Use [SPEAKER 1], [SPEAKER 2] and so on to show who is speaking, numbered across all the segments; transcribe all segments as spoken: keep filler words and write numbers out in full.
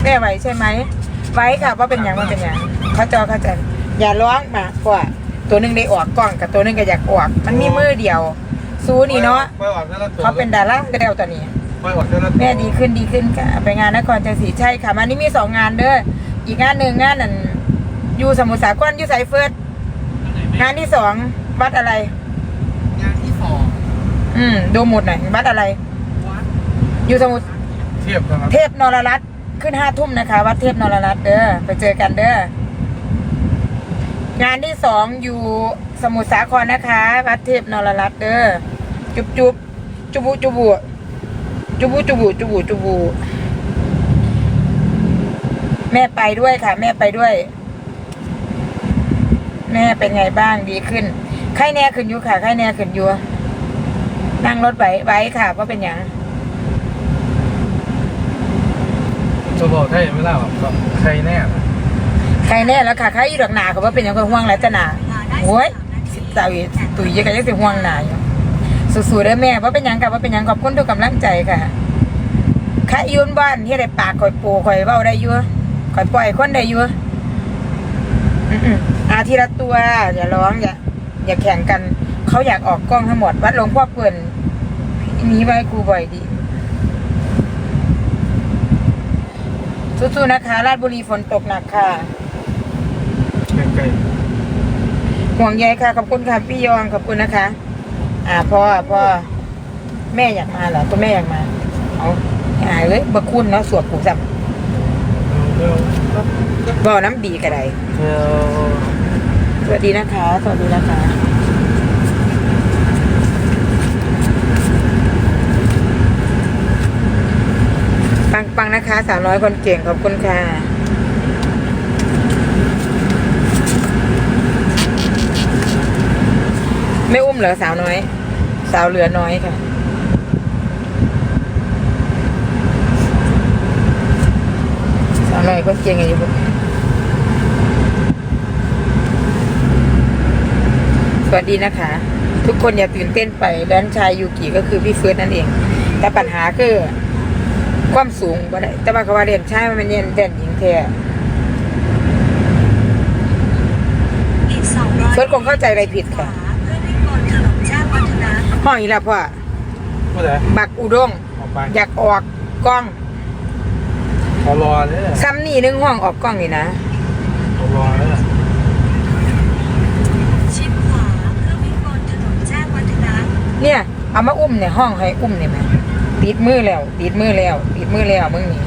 [SPEAKER 1] แม่ไหวใช่ไหมไว้ค่ะว่าเป็นอย่างว่าเป็นอย่างเขาจอเขาจะอย่าร้องมากกว่าตัวหนึ่งได้ออกกล้องกับตัวหนึ่งก็อยากออกมันมีมือเดียวซูนี่เนาะเขาเป็นดาราเร็วตอนนี้แม่ดีขึ้นดีขึ้นค่ะไปงานนครชัยศรีใช่ค่ะมันนี่มีสองงานเด้ออีกงานหนึ่งงานนั่นอยู่สมุทรสาครอยู่ไซเฟิร์สงานที่สองวัดอะไร
[SPEAKER 2] งานที่สอง
[SPEAKER 1] อืมดูหมดหน่อยวัดอะไรอยู่สมุทร
[SPEAKER 2] เทียบนะครับ
[SPEAKER 1] เทพนรรัตน์ขึ้นห้าทุ่มนะคะวัดเทพนรรัตน์เด้อไปเจอกันเด้องานที่สองอยู่สมุทรสาครนะคะวัดเทพนรรัตน์เด้อจุบจุบจุบุจุบุจุบุจุบุจุบุจุบุแม่ไปด้วยค่ะแม่ไปด้วยแม่เป็นไงบ้างดีขึ้นไข้แน่ขึ้นอยู่ค่ะไข้แน่ขึ้นอยู่นั่งรถไว้ไว้ค่ะว่าเป็นอย่าง
[SPEAKER 2] จะบอกให้ไม่เล่าแบบใครแน่
[SPEAKER 1] ใครแน่แล้วค่ะใครอยู่ดอกหนาเขาว่าเป็นอย่างก็ห่วงแล้วจะหนาโอ้ยสิบสาวตุ๋ยยังไงยังสิห่วงหนาอยู่สู้ๆเด้อแม่ว่าเป็นอย่างกับว่าเป็นอย่างขอบคุณทุกกำลังใจค่ะใครยืนบ้านที่ได้ปากคอยปูคอยเบ้าได้ยั่วคอยปล่อยคนได้ยั่วอาทีละตัวอย่าร้องอย่าอย่าแข่งกันเขาอยากออกกล้องทั้งหมดวัดหลวงพ่อเปิ่นนี้ไว้ครูบ่อยดีสู้ๆนะคะราชบุรีฝนตกหนักค่ะ
[SPEAKER 2] ใกล้
[SPEAKER 1] ๆห่วงใยค่ะขอบคุณค่ะพี่ยองขอบคุณนะคะอ่าพ่อพ่อแม่อยากมาเหรอตัวแม่อยากมาเอาหายเลยบะคุณเนาะสวดผูกจับบ่อน้ำดีกระไดสวัสดีนะคะสวัสดีนะคะปังๆนะคะสาวน้อยคนเก่งขอบคุณค่ะไม่อุ้มเหรอสาวน้อยสาวเหลือน้อยค่ะสาวน้อยคนเก่งอย่างนี้พวกสวัสดีนะคะทุกคนอย่าตื่นเต้นไปแดนชายยูกิก็คือพี่เฟิร์สนั่นเองแต่ปัญหาคือความสูงบ่ได้แต่ว่าเขาว่าเรียนชายมันเรียนเด่นหญิงแท้เฟิร์สคงเข้าใจอะไรผิดค่ะห้องอีแล้วพ่อบักอุด้งอยากออกกล้อง
[SPEAKER 2] เขารอเนี่ย
[SPEAKER 1] ซ้ำนี่นึงห้องออกกล้องนี่นะ
[SPEAKER 2] เขารอเนี่ย
[SPEAKER 3] ชิดขวาเพื่อวิ่งบนถนนแจ้งวัฒนะ
[SPEAKER 1] เนี่ยเอามาอุ้มเนี่ยห้องให้อุ้มเนี่ยไหมติดมือแล้วติดมือแล้วติดมือแล้วมึงนี่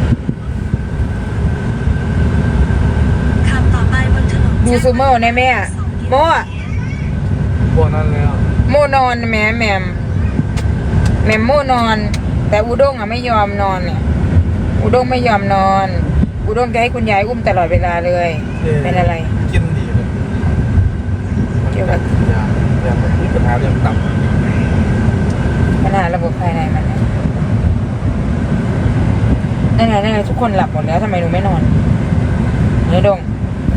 [SPEAKER 3] ขับต่อไปบนถนน
[SPEAKER 1] ดูซูโม่ในแม่โม่
[SPEAKER 2] พวกนั้นแล้ว
[SPEAKER 1] โม่นอนแม่แม่แม่โม่นอนแต่อุด้งอ่ะไม่ยอมนอนเนี่ยอุด้งไม่ยอมนอนอุด้งจะให้คุณยายอุ้มตลอดเวลาเลยเป็นอะไร
[SPEAKER 2] กินดีเลย
[SPEAKER 1] เกี่ยวกับ
[SPEAKER 2] ยาอยาที่ปัญหาเรื่องตับ
[SPEAKER 1] ปัญหาระบบภายในมันนะนั่นไงนั่นไงทุกคนหลับหมดแล้วทำไมหนูไม่นอนเนื้อดง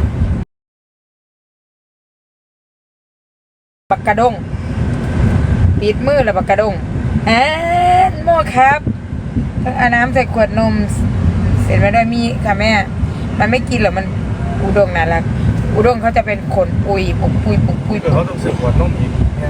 [SPEAKER 1] ปักกระดงปิดมือแล้วปักกระดงแอนโม่ครับเอาน้ำใส่ขวดนมเสร็จมาด้วยมีค่ะแม่มันไม่กินหรอกมันอุด้งน่ารักอุด้งเขาจะเป็นขนปุยปุกปุยปุกปุย
[SPEAKER 2] เขาต้องเสือกขวดนมอีกเนี่ย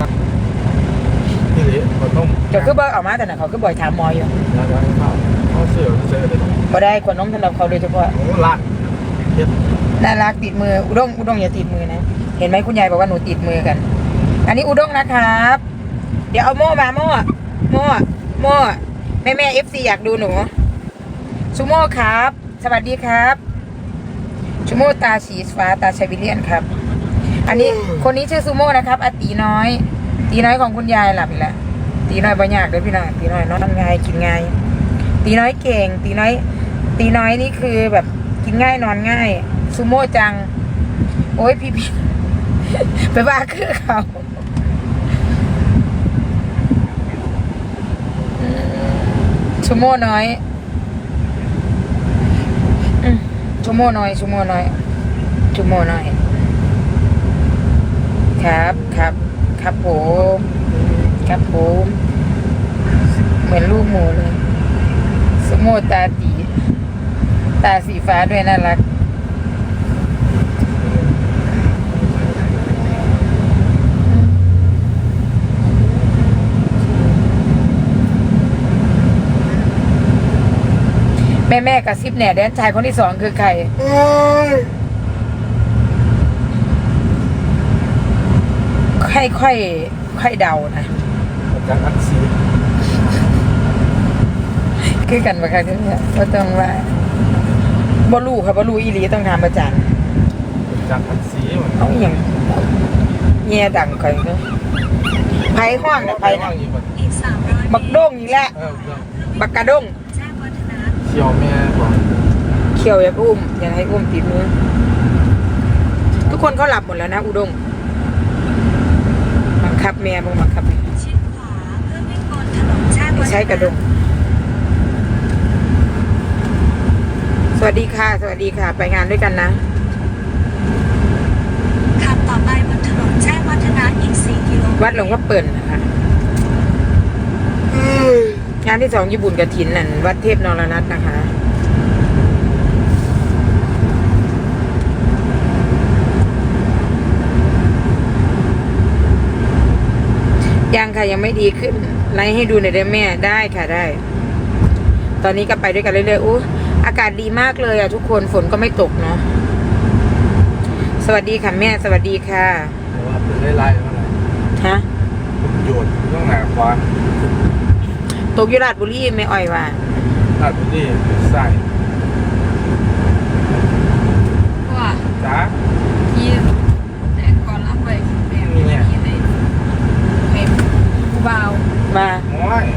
[SPEAKER 2] นี่เลยขวดนม
[SPEAKER 1] จะคือบ่อยออกมาแต่น่ะเขาคือบ่อยถามมออยู่
[SPEAKER 2] แล้วเขาเขาเสือกเสือกเลย
[SPEAKER 1] บ่ได้ขวดนมสำหรับเขาโดยเฉพาะ
[SPEAKER 2] โอ้รัก
[SPEAKER 1] น่ารักติดมืออุด้งอุด้งอย่าติดมือนะเห็นไหมคุณยายบอกว่าหนูติดมือกันอันนี้อุด้งนะครับเดี๋ยวเอาโม่มาโม่โม่โม่แม่แม่เอฟซีอยากดูหนูชูโม่ครับสวัสดีครับชูโม่ตาสีฟ้าตาชาวิเลียนครับอันนี้คนนี้ชื่อซูโม่นะครับอาตีน้อยตีน้อยของคุณยายหลับอีกแล้วตีน้อยบ่ยากเลยพี่น้องตีน้อยนอนง่ายกินง่ายตีน้อยเก่งตีน้อยตีน้อยนี่คือแบบกินง่ายนอนง่ายซูโม่จังโอ้ยพี่พี่ไปว่าคือเขาชูโม่น้อยชูโม่น้อยชูโม่น้อยชูโม่น้อยครับครับครับผมครับผมเหมือนลูกหมูเลยชูโม่ตาตีตาสีฟ้าด้วยน่ารักแม่แม่กระซิบแหน่แดนชายคนที่สองคือใครค่อยค่อยค่อยเดานะ
[SPEAKER 2] จากอักซี
[SPEAKER 1] คือกันปะคะเนี่ยก็ต้องว่าบอลูค่ะบอลูอีหลีต้องทำประจัน
[SPEAKER 2] จากอักซีเหมือน
[SPEAKER 1] เอาอย่างเงียดังใครเนาะไผ่ห้องนะไผ่นะ
[SPEAKER 2] อยู่แบบ
[SPEAKER 3] อีกสามร้อยเม
[SPEAKER 1] บัก
[SPEAKER 3] ตร
[SPEAKER 1] โด้งอีกแล้ว
[SPEAKER 2] เออ
[SPEAKER 1] บักกระด้ง
[SPEAKER 3] แจ้งวัฒนะ
[SPEAKER 2] เขียวแม่บอก
[SPEAKER 1] เขียวอย่าอุ้มอย่าให้อุ้มติดมือทุกคนเขาหลับหมดแล้วนะอุด้งบังคับแม่บังบังคับแม่
[SPEAKER 3] ชิดขวาเพื่อวิ่งบนถนนแจ้งวัฒนะ
[SPEAKER 1] ใช้กระด้งสวัสดีค่ะ สวัสดีค่ะ ไปงานด้วยกันนะ
[SPEAKER 3] ขับต่อไปบนถนนแจ้งวัฒนะอีกสี่กิโลเมตร
[SPEAKER 1] วัดหลวงพ่อเปิ่นนะคะงานที่สองญี่ปุ่นกระถินนั่นวัดเทพนรนัตนะคะยังค่ะยังไม่ดีขึ้นไลฟ์ให้ดูหน่อยได้แม่ได้ค่ะได้ ตอนนี้ก็ไปด้วยกันเรื่อยๆอู้อากาศดีมากเลยอ่ะทุกคนฝนก็ไม่ตกเนาะสวัสดีค่ะแม่สวัสดีค่ะ
[SPEAKER 2] แต่ว่าเป็นไล่ๆมาเลย
[SPEAKER 1] ฮะ
[SPEAKER 2] ผมโยนต้องหนาควาน
[SPEAKER 1] ตกอยุราชบุรีไม่อ่อยว่า
[SPEAKER 2] ตัดนี่ใส่
[SPEAKER 4] ว่า
[SPEAKER 2] จ้า
[SPEAKER 4] ที่แต่ก่อนรับไปแบบ
[SPEAKER 2] นี่
[SPEAKER 4] นี้
[SPEAKER 2] ไง
[SPEAKER 4] ในเป็นผู้เบา
[SPEAKER 1] มา
[SPEAKER 2] โอ้ย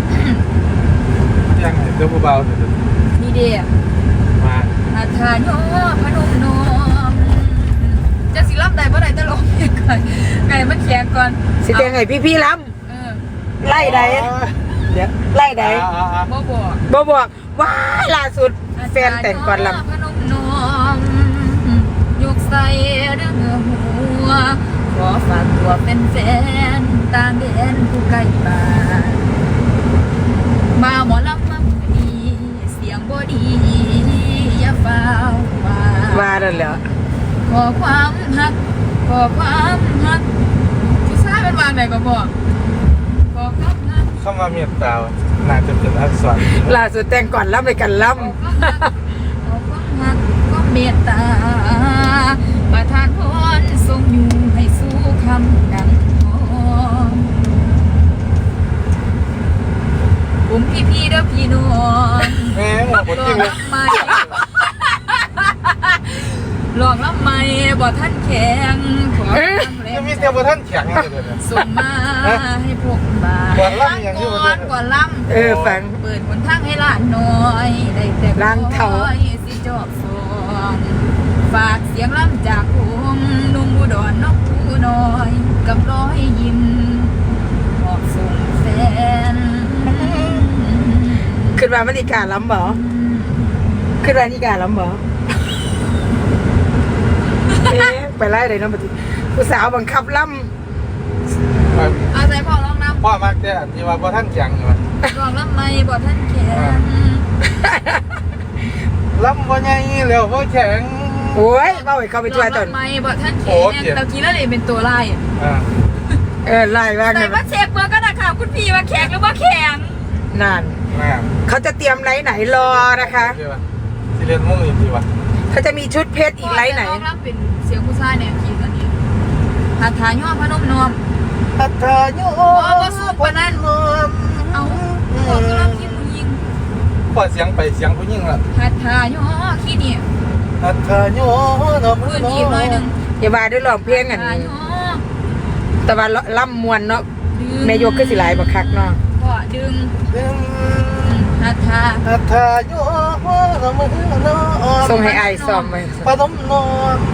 [SPEAKER 2] ยังไงเจ้าผู้เบาเดี๋ยว
[SPEAKER 4] นี่เดีย
[SPEAKER 2] มา
[SPEAKER 4] อาทานโยพนมนอมจะสิรับได้บ่ได้ตลกก่อนไก่มันแข็งก่อน
[SPEAKER 1] สิเตียงไงพี่พี่ๆล้
[SPEAKER 4] เออ
[SPEAKER 1] ำไล่ใดเดี๋ยวไล่ใด
[SPEAKER 4] บ่บอก
[SPEAKER 1] บอบอกว้ายล่าสุดแฟนแต่งก่อนล
[SPEAKER 4] พนมนอมยกใส่เรื่องหัวขอฝากตัวเป็นแฟนตามเดนผู้ใกล้บ้านมาหมอลำมามือนี้เสียงบ่ดีอย่าเฝ้าว่า
[SPEAKER 1] ำว่านั่นแหละ
[SPEAKER 4] ขอความฮักขอความฮักผู้ชายเป็นวางไหนก็บอกขอความฮัก
[SPEAKER 2] เข้ามาเมียตาน่าจะเป็นอักษร
[SPEAKER 1] ล่าสุดแต่งก่อนล้ำไปกันล้
[SPEAKER 4] ขอความฮักขอความฮักก็เมตตาประทานพรทรงอยู่ให้สู้คำดังทองผมพี่พี่ๆเด้อพี่น้อง
[SPEAKER 2] แม่หมอคน
[SPEAKER 4] ลอ
[SPEAKER 2] จริ
[SPEAKER 4] ง
[SPEAKER 2] งเลย
[SPEAKER 4] ลำไม่ลองลำไม่บ่ท่านแข็งขอทำแร
[SPEAKER 2] จะ
[SPEAKER 4] ง
[SPEAKER 2] มี
[SPEAKER 4] ใจ
[SPEAKER 2] แต่ว่าท่านแข็งเลยเดี๋ยวนี้
[SPEAKER 4] ส่งมาให้พวกบา
[SPEAKER 2] ก่อนล่ำอย่างที่ว่า
[SPEAKER 4] ก่อนก่อนล่
[SPEAKER 1] ำเออฟัง
[SPEAKER 4] ำเปิดหนทางให้หลานน้อยได้แต่
[SPEAKER 1] ล้างเท้า
[SPEAKER 4] คอยสิจอบสอนฝากเสียงล่ำจากผมนุ่มอุดรนกผู้น้อย กับร้อยยิ้มมอบส่งแฟน
[SPEAKER 1] ขึ้นมามันอีกาล้ำบ่ขึ้นมาอีกาล้ำบ่เอ๊ะไปไล่เลยเนาะปฏิผู้สาวบังคับล้
[SPEAKER 4] อาศัยพ่อร้องน้
[SPEAKER 2] พ่อมากแต่ที่ว่าพ่อท่านแข็งอยู่
[SPEAKER 4] ำร้องน้ำไม่บ่ท่านแข็ง
[SPEAKER 2] ลำพ่อใหญ่แล้วพ่อแข็ง
[SPEAKER 1] ำโอ้ยเบ้าให้เข้าไปช่วยตน
[SPEAKER 4] ไม่บ่ท่าน
[SPEAKER 2] โอ้
[SPEAKER 4] แข็ง
[SPEAKER 2] เจ็บ
[SPEAKER 4] ตะกี้แล้วเลยเป็นตัวไล่
[SPEAKER 2] อ่า
[SPEAKER 1] เออไล่บ้าง
[SPEAKER 4] แต่
[SPEAKER 1] นะ
[SPEAKER 4] ว่าเช็คเบอร์ก็นะคะคุณพี่ว่าแข็งหรือว่าแข็ง
[SPEAKER 1] นาน
[SPEAKER 2] แม่
[SPEAKER 1] เขาจะเตรียมไลท์ไหนรอนะคะ
[SPEAKER 2] ที่ว่าที่เรียนมุ่งอีกทีว่า
[SPEAKER 1] เขาจะมีชุดเพชรอีกไลท์ไหน
[SPEAKER 4] ร้องรับเป็นเสียงผู้ชายเนี่ยคีย์ตอนนี้หาทาย่อพนมนอม
[SPEAKER 2] อัตราโย
[SPEAKER 4] ว่าสู้ปานนั้น เอาบอกก็รับคิดผู้หญิง
[SPEAKER 2] พอเสียงไปเสียงผู้หญิงละ
[SPEAKER 4] หาทาย่อคีย์เนี่ย
[SPEAKER 2] อัตราโยน
[SPEAKER 4] พื้นที่หน่อยหนึ่ง
[SPEAKER 1] อย่าว่าด้วยร้องเพลงอัน
[SPEAKER 4] ทา
[SPEAKER 1] นี้
[SPEAKER 4] ย่อ
[SPEAKER 1] แต่ว่าล่ำมวนเนาะ
[SPEAKER 4] ดึง
[SPEAKER 1] แม่ยกขึ้นสิหลายบักคักเนาะ
[SPEAKER 4] ก็ดึงหาทา
[SPEAKER 2] อัตราโยนมือนอ
[SPEAKER 1] ส่งให้อายซ้อมไว้
[SPEAKER 2] ปฐมนอน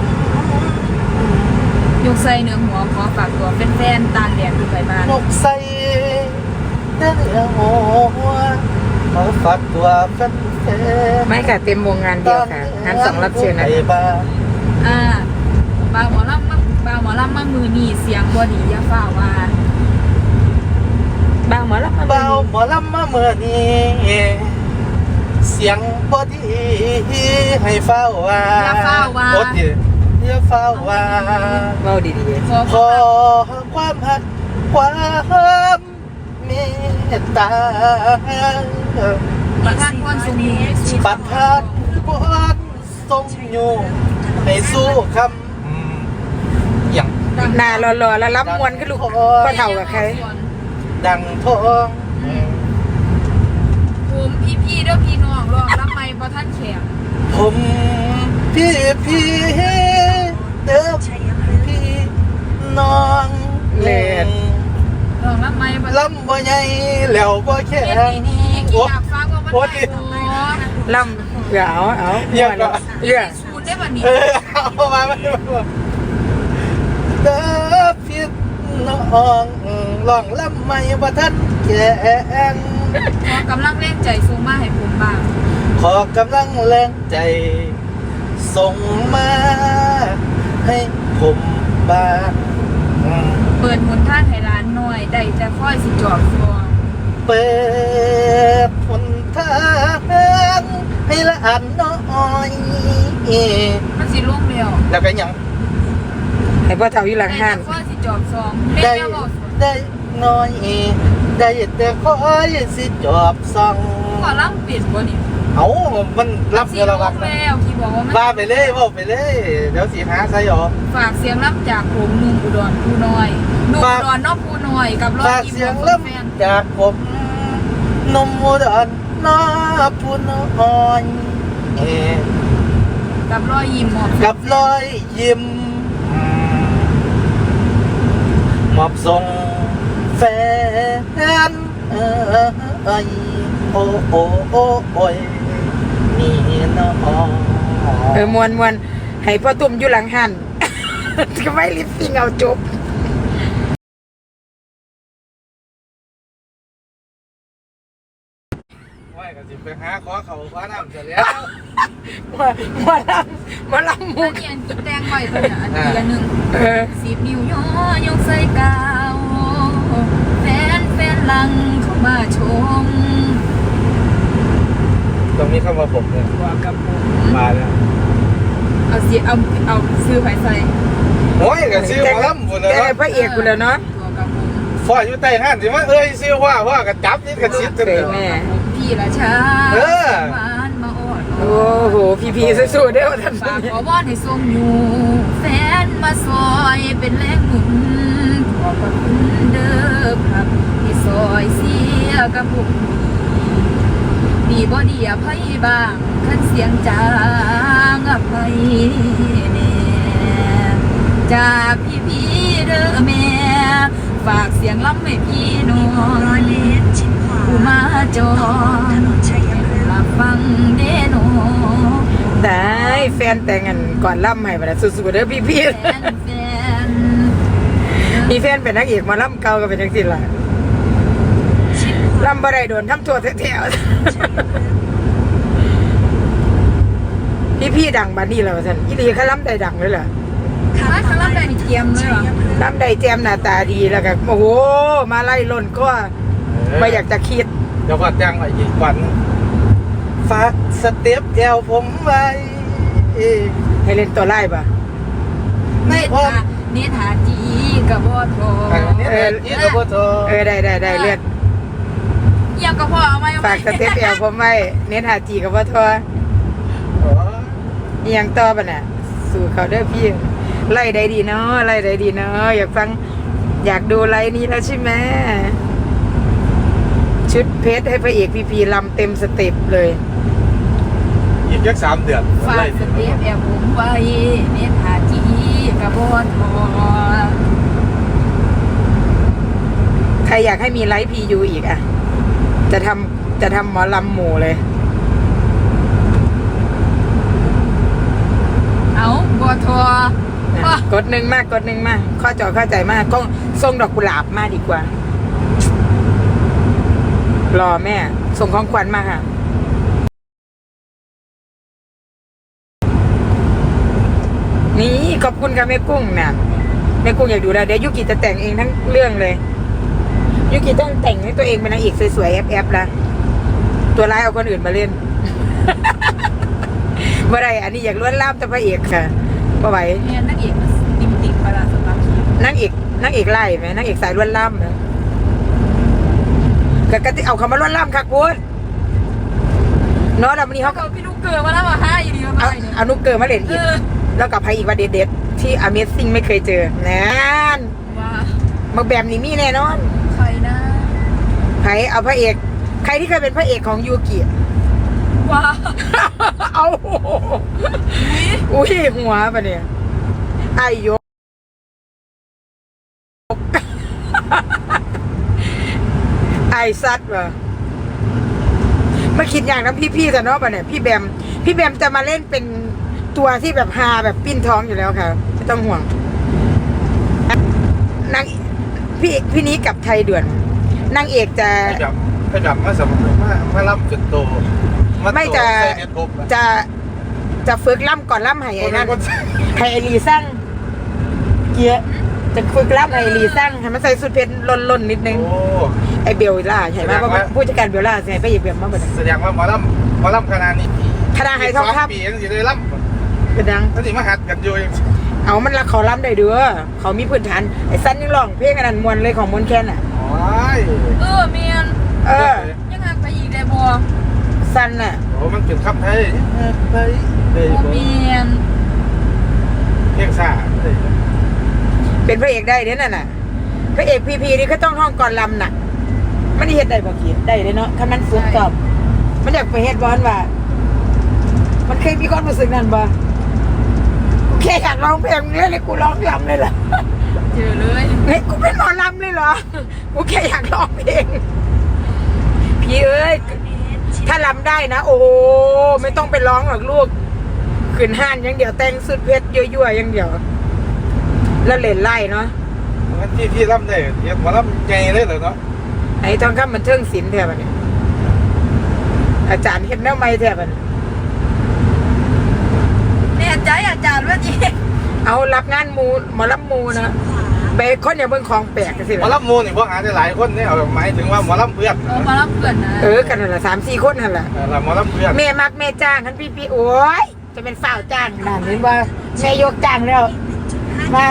[SPEAKER 4] ยกใส่เนื้อหัวขอฝากตัวเป็นแฟนตาแดดดูไปบ้าน
[SPEAKER 2] นกใส่เนื้อหัวมาฝากตัวเป็นแฟน
[SPEAKER 1] ไม่ค่ะเต็มวงงานเดียวค่ะงานสองรับเชิญนะ
[SPEAKER 2] ไอ้บ้า
[SPEAKER 4] อ่าบางหมอลำมาบางหมอลำมามือนี่เสียงบอดีอย่าฝ่าว่า
[SPEAKER 1] บางหมอรับมา
[SPEAKER 2] เบาหมอลำมาเมื่อนี้เสียงพอดีให้เฝ้าว่า
[SPEAKER 4] อย่าเฝ้าว่า
[SPEAKER 2] โอ๊ยอย่าเฝ้าว่า
[SPEAKER 1] เว้าดี
[SPEAKER 4] ขอ
[SPEAKER 2] ขอความหักความเมตตา
[SPEAKER 4] ประทานพรสูงอยู่ในชีวิต
[SPEAKER 2] ปัดทานพรทรงอยู่ให้สู้คำอืมอย่าง
[SPEAKER 1] ๆหน้ารอๆแล้วรับมวนขึ้นลูกพ่อเฒ่ากับใคร
[SPEAKER 2] ดังทอง
[SPEAKER 4] ผมพี่ๆเด้อพี่น้องรองรับไม่บ่ท่านแข็ง
[SPEAKER 2] ผมพี่พี่เด้อพี่น้อง
[SPEAKER 1] เล่น
[SPEAKER 4] รองรับไม่บ่
[SPEAKER 2] ลำบ่ใหญ่แล้วบ่แข็
[SPEAKER 4] เฮ็ด
[SPEAKER 2] ง
[SPEAKER 4] ดีๆอยากฟังว่ามัน
[SPEAKER 2] โอ๊ย
[SPEAKER 4] ได้บ่
[SPEAKER 1] ล่ำเอาเอา
[SPEAKER 2] เยี่ยม
[SPEAKER 1] ม่วน
[SPEAKER 2] เนอะ
[SPEAKER 1] เยี่ยม
[SPEAKER 4] สูตรได้บ่นี่
[SPEAKER 2] เออเอามาไม่มาเด้อพี่น้องลองลำไม่บ่ทันแข็ง
[SPEAKER 4] ขอกำลังแรงใจสูงมาให้ผมบ้าง
[SPEAKER 2] ขอกำลังแรงใจ ส่งมาให้ผมบ้างอืม
[SPEAKER 4] เปิดหนทางให้ร้านหน่อยได้แต่ค่อยสิจอบฟอง
[SPEAKER 2] เปิดหนทางให้ละอันน้อย
[SPEAKER 4] มันสิล่วงเร็ว
[SPEAKER 2] แล้วก็ยัง
[SPEAKER 1] ให้พ่อเฒ่าอยู่หลังห้าน
[SPEAKER 4] ได้แต่ค่อยสิจอบซองเล่น
[SPEAKER 2] ได้
[SPEAKER 4] แล้วบอก
[SPEAKER 2] ได้น้อย ได้แต่คอยสิจอบส่อง
[SPEAKER 4] ก็ล่ำเปลี่ยนบ่นี่
[SPEAKER 2] เอามันรับ
[SPEAKER 4] สิ
[SPEAKER 2] เงิน
[SPEAKER 4] ล่
[SPEAKER 2] ระ
[SPEAKER 4] ว
[SPEAKER 2] วั
[SPEAKER 4] ง
[SPEAKER 2] งนะ
[SPEAKER 4] แล้วที่บอกว่ามัน
[SPEAKER 2] ว่าไปเลยว่าไปเลย เดี๋ยวสีหาใส่หรอ
[SPEAKER 4] ฝากเสียงล่ำจากผมหนุ่มอุดรผู้น้อยหนุ่ม
[SPEAKER 2] ฝาก
[SPEAKER 4] อุดรนอกผู้น้อยกับรอย
[SPEAKER 2] ฝาก
[SPEAKER 4] ยิ้ม
[SPEAKER 2] เสียง
[SPEAKER 4] ของ
[SPEAKER 2] เริ่ม
[SPEAKER 4] แฟน
[SPEAKER 2] จากผมนมอุดรน้าผู้น้อยเอ
[SPEAKER 4] กับรอยยิ้มหมอบ
[SPEAKER 2] กับรอยยิ้มมอบส่งแฟนเอ้ยโอ้โอ้โอ้โอ้ยนี่น้อง
[SPEAKER 1] เออมวนมวนให้พ่อตุ่มอยู่หลังหัน ก็ไม่ลิปซิงเอาจบ
[SPEAKER 2] ว่าก็สิไปหาขอเขาคว้าน้ำเสร็จแล้ว
[SPEAKER 1] มามาลำมาลำมุ
[SPEAKER 4] อั
[SPEAKER 1] ก
[SPEAKER 4] นนี้อันกินแตงไว้ตัวเนี่ยอันนี้ละหนึ่ง
[SPEAKER 1] เออ
[SPEAKER 4] สิบนิ้วยอยกใส่กาวแฟนแฟนหลังเข้ามาชม
[SPEAKER 2] ตรงนี้เข้ามาผมเนี่ย
[SPEAKER 4] ว่ากับผม
[SPEAKER 2] มาแล้ว
[SPEAKER 4] เอาสิเอาเอาซื้อไผใส่
[SPEAKER 2] โอ้ยก็ซื้อมาล้ำบุญแล้ว
[SPEAKER 1] แต่พระเอกกูแล้วเนาะ
[SPEAKER 4] ตัวกับผม
[SPEAKER 2] ฝ่ายอยู่ใต้ห้านสิว่าเอ้ยซื้อว่าว่าก็จับนี่ก็ซิดกัน
[SPEAKER 1] เค
[SPEAKER 2] เลย ย
[SPEAKER 1] แม่
[SPEAKER 4] พี่ละชา
[SPEAKER 2] เออ
[SPEAKER 4] หวานมาอด
[SPEAKER 1] โอ้โห พี่พีสู้ๆเด้อท่าน
[SPEAKER 4] ฝากขอวอนให้ทรงอยู่แฟนมาซอยเป็นแรงหนุนขอบพระคุณเด้อครับที่ซอยเสียกับผมดีบ่ดีอภัยบ้างคันเสียงจางอภัยแน่จากพี่พี่ๆเด้อแม่ฝากเสียงล้ำให้พี่น้อง
[SPEAKER 3] ร้อยเมตรชิดขวา
[SPEAKER 4] ผู้มาจอ
[SPEAKER 3] ถนนชัยพฤกษ์
[SPEAKER 4] มาฟังเด้โน
[SPEAKER 1] ได้แฟนแต่งกันก่อนล่ำให้ไปแล้วสู้ๆเด้อพี่พี
[SPEAKER 4] แฟนแฟน
[SPEAKER 1] มีแฟนเป็นนักเอกหมาล่ำเก่าก็เป็นนักศิลป์ล่ะ
[SPEAKER 3] ชิดขวา
[SPEAKER 1] ล่ำบ่ได้โดนทำตัวแถวๆพี่พี่ดังบัดนี้แล้วท่านอีหลีเขาล่ำได้ดังเลยเหรอ
[SPEAKER 4] มาคาราบได้เทียมเลยเหรอ
[SPEAKER 1] ล่ำได้แจมหน้าตาดีแล้วก็โอ้โหมาไล่ล่นก็ไม่อยากจะคิด
[SPEAKER 2] เดี๋ยวก็จ้างไว้อีกวันฝากสเต็ปแอวผมไว้
[SPEAKER 1] ให้เล่นตัวไล่ปะ
[SPEAKER 2] ใน
[SPEAKER 4] เน
[SPEAKER 2] อ้อม
[SPEAKER 4] ธาเนธาจีกับบอทอ
[SPEAKER 2] อันนี้เนี่ยยี่ตัวโต
[SPEAKER 1] เออได้ได้ได้เลือด
[SPEAKER 4] เยี่ยมกับพ่อเอาไหม
[SPEAKER 1] ฝากสเต็ปแอลผมไว้เน้นหาจีกับว่าทออีหยังต่อปะน่ะสู่เขาเด้อพี่ไล่ได้ดีเนาะไล่ได้ดีเนาะอยากฟังอยากดูไลน์นี้แล้วใช่ไหมชุดเพชรให้พระเอกพีพีลำเต็มสเต็ปเลย
[SPEAKER 2] อีกยักสามเดือน
[SPEAKER 4] ฝากสเต็ปแอบผมไว้เนธาจีกับบอทอ
[SPEAKER 1] ใครอยากให้มีไลฟ์พียูอีกอ่ะ จะทำจะทำหมอลำหมู่เลย
[SPEAKER 4] เอาบอทอ
[SPEAKER 1] นะกดหนึ่งมากกดหนึ่งมากข้อจอเข้าใจมากก็ส่งดอกกุหลาบมาดีกว่า รอแม่ ส่งของขวัญมาค่ะ นี่ขอบคุณค่ะแม่กุ้งนะแม่กุ้งอยากดูแล้วเดี๋ยวยุกิจะแต่งเองทั้งเรื่องเลยยุกิต้องแต่งให้ตัวเองเป็นนางเอกสวยๆแอบๆละตัวร้ายเอาคนอื่นมาเล่นบ่ได้อันนี้อยากล้วนล่ามแต่พระเอกค่ะบ่ไหว
[SPEAKER 4] เนี่ยนักเอกมันติมติดไปละสำหรับคิวน
[SPEAKER 1] างเอกนางเอกไล่ไหมนางเอกสายล้วนล่ามนะก็กติเอาคำว่าล้วนล่ามคักพูดเนาะแล้ววันนี้
[SPEAKER 4] เขา
[SPEAKER 1] เขา
[SPEAKER 4] ก็
[SPEAKER 1] ก็
[SPEAKER 4] พี่ลูกเกิดมาแล้วมาห้าอยู่ดีมา
[SPEAKER 1] เอา
[SPEAKER 4] ไปเนี่ย
[SPEAKER 1] เอานุกเกิร์มาเล่น
[SPEAKER 4] เอ
[SPEAKER 1] อีก
[SPEAKER 4] อ
[SPEAKER 1] แล้วกับใครอีกว่าเด็ดๆที่ Amazing ไม่เคยเจอนั่น
[SPEAKER 4] ว่า
[SPEAKER 1] มาแบบนี้มีแน่นอน
[SPEAKER 4] ใครนะ
[SPEAKER 1] ใครเอาพระเอกใครที่เคยเป็นพระเอกของยูกิ
[SPEAKER 4] ว่า
[SPEAKER 1] เอาอุ้ยหัวปะเนี่ยไอายกไอซัดวะมาคิดอย่างนั้นพี่ๆแต่เนาะปะเนี่ยพี่แบมพี่แบมจะมาเล่นเป็นตัวที่แบบฮาแบบปิ้นท้องอยู่แล้วค่ะไม่ต้องห่วงนางพี่พี่นี้กับไทยด่วนนางเอกจะ
[SPEAKER 2] ให้ดับให้ดับมาสมมติว่ามาล่ำจนโตา
[SPEAKER 1] ไม่จะ
[SPEAKER 2] โตใส่เน็ตบุ๊กอ
[SPEAKER 1] จะจะฝึกล่ำก่อนล่ำไห้ไอ้นั่น ไฮไอรีสั่งเกียร์จะฝึกรับไฮไอรีสั่งให้มันใส่สุดเพชรล่นๆนิดนึง
[SPEAKER 2] โอ้
[SPEAKER 1] ไอเบลล่าใช่ไหม
[SPEAKER 2] แสดงว่า
[SPEAKER 1] ว่าผู้จัดการเบลล่าใช่ไหมไปหยิบเบลมาเบิด
[SPEAKER 2] แสดงว่าหมอลำหมอลำคณะนี้
[SPEAKER 1] คณะไฮทองค
[SPEAKER 2] ปีนั่นสิได้ล่
[SPEAKER 1] ำกระดัง
[SPEAKER 2] ำนั่นสิมาหัดกันอยู่เอง
[SPEAKER 1] เอามันละเขาล่ำได้เด้อเขามีพื้นฐานไอ้สั้นยังร้องเพลงอันนั้นมวนเลยของมวนแคนอ่ะ
[SPEAKER 2] โอ้ย
[SPEAKER 4] เออเมียน
[SPEAKER 1] เออ
[SPEAKER 4] ยังไงไปอีกเลยบัว
[SPEAKER 1] สั้นน่ะ
[SPEAKER 2] โอ้มันเป็นคำไทยไทยเฮ้ย
[SPEAKER 4] โอเมียน
[SPEAKER 2] เพียงซ่าเฮ้ย
[SPEAKER 1] เป็นพระเอกได้เด้อนั่นน่ะพระเอกพีพีนี่ก็ต้องท่องก่อนลำน่ะมันได้เฮ็ดได้บ่คิดได้เลยเนาะคันมันฝึกกอบมันอยากไปเฮ็ดบอลว่า มันเคยมีความรู้สึกนั้นบ่แค่อยากร้องเพลงเนี่ยเลยกูร้องลำเลยเหรอ
[SPEAKER 4] เจอเลย
[SPEAKER 1] เฮ้ยกูเป็นหมอลำเลยเหรอ กูแค่อยากร้องเพลง พี่เอ้ย ถ้าลำได้นะ โอ้โหไม่ต้องไปร้องหรอกลูก ขืนห้านอย่างเดียวแต่งสุดเพชรยั่วๆอย่างเดียว แล้วเล่นไล่เนาะ
[SPEAKER 2] งั้นที่ที่ล่ำได้เรียกหมอลำไงเลยเหรอเนาะ
[SPEAKER 1] ไอ้ทองคำมันเทิงศิลป์แทบเนี่ยอาจารย์เห็นแนวไม่แทบเนี่ย
[SPEAKER 4] แน่ใจอาจารย์ว่าจี
[SPEAKER 1] เอารับงานมูหมอลำมูนะไปคนอย่าเบิ่งของแปลกกันสิ
[SPEAKER 2] หมอลำมูนี่พวกหาได้หลายคนเนี่ยเอาหมายถึงว่าหมอลำเพื่อน
[SPEAKER 4] เออมารับเพื่อนนะ
[SPEAKER 1] เออกันนั่นแหละสามสี่คนนั่นแหละ
[SPEAKER 2] เออหมอลำเพื่อน
[SPEAKER 1] แม่มักแม่จ้างคันพี่พี่โอ้ยจะเป็นฝ่าวจ้างนั่นเห็นว่าแม่ยกจ้างแล้วมา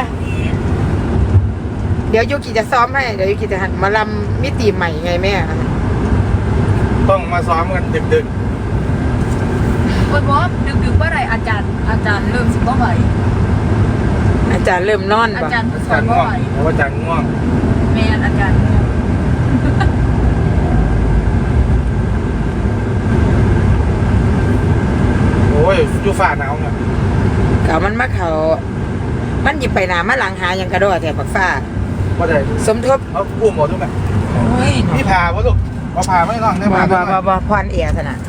[SPEAKER 1] เดี๋ยวยูกิจะซ้อมให้เดี๋ยวยูกิจะหันมาลำมิติใหม่ไงแม่
[SPEAKER 2] ต้องมาซ้อมกันดึก
[SPEAKER 4] โอ้ยบอสดึกๆเมื่อไหรอาจารย์อาจารย์เริ่มสิบว่าไหว
[SPEAKER 1] อาจารย์เริ่มนอน
[SPEAKER 4] อา
[SPEAKER 1] บ่
[SPEAKER 4] จารย์
[SPEAKER 2] ๆ
[SPEAKER 4] สอ
[SPEAKER 2] จาน น
[SPEAKER 4] ว่า
[SPEAKER 2] ง่วง
[SPEAKER 4] ไหว
[SPEAKER 2] เพราะว่าจานง่วง
[SPEAKER 4] แม่อาจารย์
[SPEAKER 2] โอ้ยอยู่ฝ่าหนาวเนี่ย
[SPEAKER 1] เขามันมาเขามันหยิบไปหนามาหลังหาอย่างกระโดดแต่ปักฟ้า
[SPEAKER 2] ว่าได้
[SPEAKER 1] สมทบ
[SPEAKER 2] เอากู้หมดทุกไหม
[SPEAKER 1] โอ้ย
[SPEAKER 2] พี่พาวะลูกเอาพาไม่น้องได้
[SPEAKER 1] บ่
[SPEAKER 2] พา
[SPEAKER 1] บ่
[SPEAKER 2] ได้
[SPEAKER 1] บ่บ่ผ่อนเอียสนะ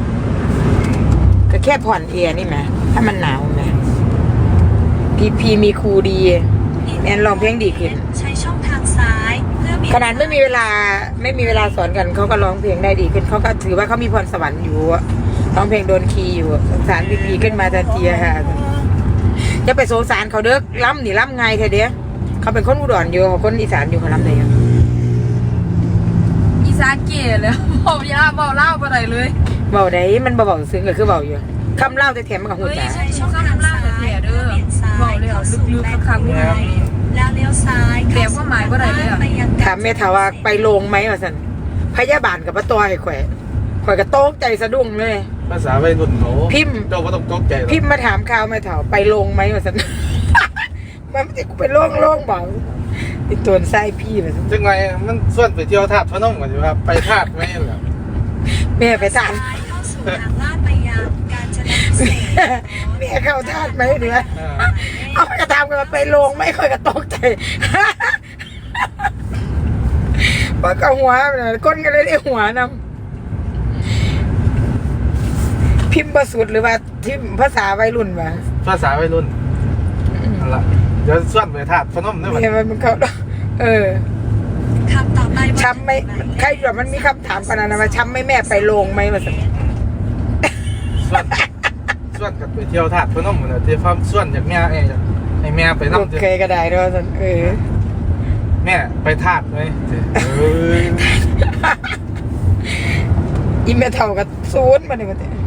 [SPEAKER 1] ก็แค่ผ่อนเอียนี่แหมถ้ามันหนาวแหมพีพีมีครูดีแอนร้องเพลงดีขึ้น
[SPEAKER 3] ใช้ช่องทางซ้ายเพื่อเบี่ยง
[SPEAKER 1] ขนาดไม่มีเวลาไม่มีเวลาสอนกันเขาก็ร้องเพลงได้ดีขึ้นเขาก็ถือว่าเขามีพรสวรรค์อยู่อะร้องเพลงโดนคีย์อยู่สงสารพีพีขึ้นมาทันทีอะค่ะจะไปสงสารเขาเด้อล้ำหนีล้ำไงเธอเด้อเขาเป็นคนอุดรอยู่เขาคนอีสานอยู่เขาล้ำเลยอะ
[SPEAKER 4] อีสานเก๋เลยบอกยาบอกเล่าไปไหนเลย
[SPEAKER 1] เบาได้มันเบาๆซึ้งก็คือเบาอยู่คำเล่าแต่แถมมันกับหู
[SPEAKER 4] เฮ้ย
[SPEAKER 1] จ๋า
[SPEAKER 3] ใช้ช่องทางซ้ายเพื่อเบี่ยงซ้ายเข้าสู่แลนด์คูไนแล้วเลี้ยวซ้ายไปยัง
[SPEAKER 1] ถามเมทาว่าไปโรงไหมวะสันพยาบาลกับป้าตัวไอ้ข่อยข่อยก็โต๊กใจสะดุ้งเลย
[SPEAKER 2] ภาษาวัยรุ่นเขา
[SPEAKER 1] พิมพ์
[SPEAKER 2] เจ้าก็ต้องตกใจหรอก
[SPEAKER 1] พิมพ์มาถามข่าวไม่ถามไปโรงไหมวะสัน มันไม่ใช่กูไปโรงโรงบอกไอ้ตัวไส้พี่วะสัน
[SPEAKER 2] จังไงมันส่วนไปเที่ยวธาตุพนมก่อนอยู่ครับไปธาตุไหมเหรอ
[SPEAKER 1] แม่ไปทาน
[SPEAKER 3] ซ้ายเข้าสู่ทางลาดไปยังกาญจนพิเศษ
[SPEAKER 1] แม่เข้าทานไหมเดี๋ยวเอากระทำกันมาไปโรงไม่ค่อยกระตกใจ ปากกระหัวเนี่ยก้นก็เลยได้หัวนำพิมพ์ประสุดหรือว่าที่ภาษาวัยรุ่นวะ
[SPEAKER 2] ภาษาวัยรุ่นนั่นละเดี๋ยวส่วนไปธาตุพนมด้วยมัน
[SPEAKER 1] เนี่ยมันเขาเออ
[SPEAKER 3] คำต่อไป
[SPEAKER 1] ช้ำไหมใครแบบมันมีคำถามขนาดนั้นว่าช้ำไหมแม่ไปโรงไหมมาสัก
[SPEAKER 2] ส่วนส่วนกับไปเที่ยวธาตุพนมเหมือนที่ความส่วนจากแม่ไอ้ให้แม่ไป
[SPEAKER 1] โอ
[SPEAKER 2] นั่ง
[SPEAKER 1] เคก็ได้ด้วยสันเออ
[SPEAKER 2] แม่ไปธาตุไหมเออ
[SPEAKER 1] อีเมเท่ากับศูนย์มาเนี่ยมัน